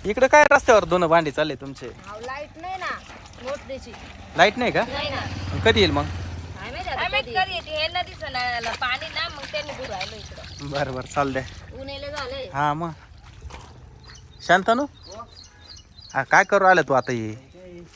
इकडे काय रस्त्यावर दोन भांडी चालले तुमचे? लाईट नाही ना मोटरीची. लाईट नाही का? नाही ना. कधी येईल मग? कधी येते हे नदीचं ना पाणी ना मग त्यांनी दूर राहिलो इकडं. बरं बरं चाल द्या. उन्हेला झालंय. हा मग शांतनू हा काय करू राहिला तू आता? ये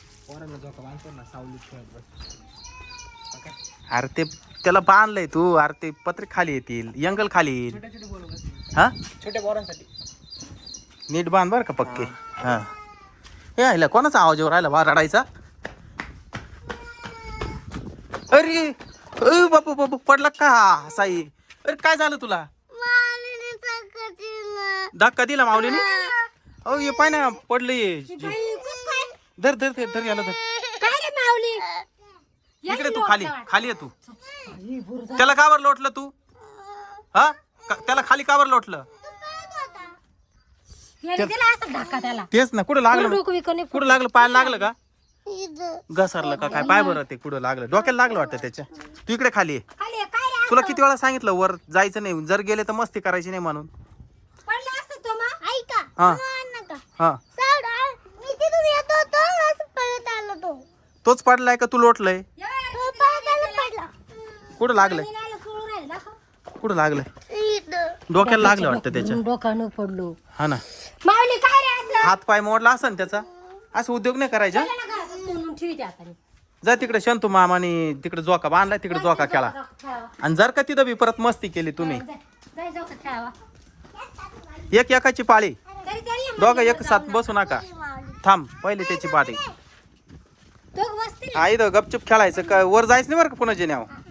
अरे ते त्याला बांधलंय तू. अरे ते पत्रे खाली येतील, यंगल खाली येईल. हा छोट्या पोरांसाठी नीट बांध बर का पक्के. हा हे आयला कोणाचा आवाज येऊ राहिला? वा रडायचा. अरे बापू बापू पडला का साई? अरे काय झालं तुला? धक्का दिला माऊलीने? अहो ये पाय ना पडले. धर धर धर धर याला धर. इकडे तू खाली खाली आहे तू. त्याला का बरं लोटलं तू? हा त्याला खाली का बरं लोटलं? तेच ना. कुठं लागलं? कुठं लागलं? पायाला लागलं का? घसरलं का काय? पाय बरं ते कुठं लागलं? डोक्याला लागलं वाटतं त्याच्या. तू इकडे खाली आहे. तुला किती वेळा सांगितलं वर जायचं नाही, जर गेले तर मस्ती करायची नाही म्हणून. हा हा तोच पडलाय का तू लोटलंय? कुठं लागलंय? कुठं लागलंय? डोक्याला लागलं वाटतं त्याच्या. डोकानं पडलो. हा ना. माऊली काय रे असलं? हात पाय मोडला असन त्याचा. असं उद्योग नाही करायचा. जा तिकडे शंतू मामाने तिकडे जोका बांधलाय, तिकडे जोका केला. आणि जर का तिथं बी परत मस्ती केली तुम्ही, एक एकाची पाळी. दोघं एक साथ बसू नका. थांब पहिले त्याची पाळी. आई गपचूप खेळायचं का? वर जायचं नाही बरं का पुन्हा जेण्यावर.